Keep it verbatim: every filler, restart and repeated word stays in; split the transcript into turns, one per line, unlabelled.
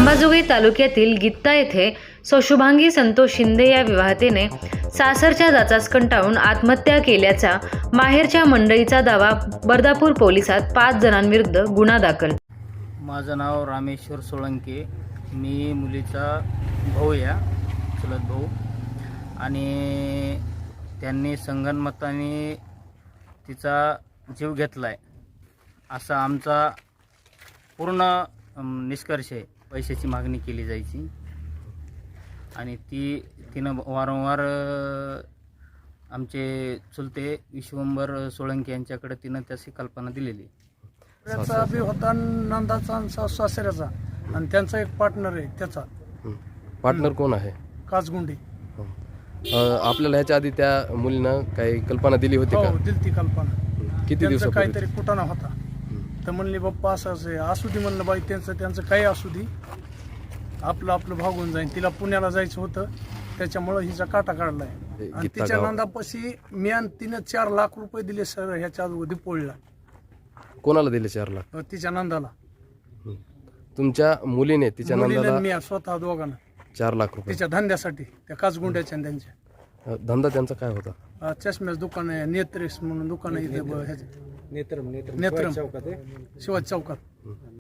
अंबाजोगाई तालुक्यातील गित्ता येथे सौशुभांगी संतोष शिंदे या विवाहतेने सासरच्या जाचास कंटाळून आत्महत्या केल्याचा माहेरच्या मंडळीचा दावा. बर्दापूर पोलिसात पाच जणांविरुद्ध गुन्हा दाखल.
माझं नाव रामेश्वर सोळंके. मी मुलीचा भाऊ या चुलत भाऊ आणि त्यांनी संगनमताने तिचा जीव घेतला आहे असा आमचा पूर्ण निष्कर्ष आहे. पैशाची मागणी केली जायची आणि ती तिनं वारंवार आमचे चुलते विश्वंभर सोळंके यांच्याकडे तिनं त्याची कल्पना दिलेली.
त्याचा बी होता नंदाचा आणि सासऱ्याचा आणि त्यांचा एक पार्टनर आहे. त्याचा
पार्टनर कोण आहे?
काचगुंडी.
आपल्याला ह्याच्या आधी त्या मुलीनं काही कल्पना दिली होती का?
हो, दिली ती कल्पना.
किती दिवस
काहीतरी कुटाणा होता तर म्हणली बाप्पा असं असं असू दे म्हणलं. बाई त्यांचं त्यांचं काही असू दे, आपलं आपलं भागून जाईल. तिला पुण्याला जायचं होतं त्याच्यामुळं हिचा काटा काढलाय आणि तिच्या नंदापाशी मी आणि तिनं चार लाख रुपये दिले सर ह्याच्या अगोदर पोळीला.
कोणाला दिले चार लाख?
तिच्या नंदाला.
तुमच्या मुलीने तिच्या नंदाला?
मी स्वतः दोघांना
चार लाख रुपये
तिच्या धंद्यासाठी, त्या काचगुंड्याच्या आणि त्यांच्या.
धंदा त्यांचा काय होता?
चष्म्याचं दुकान आहे, नेत्रेस म्हणून दुकान आहे इथे. नेत्रम नेत्रम शिवाजी चौकात.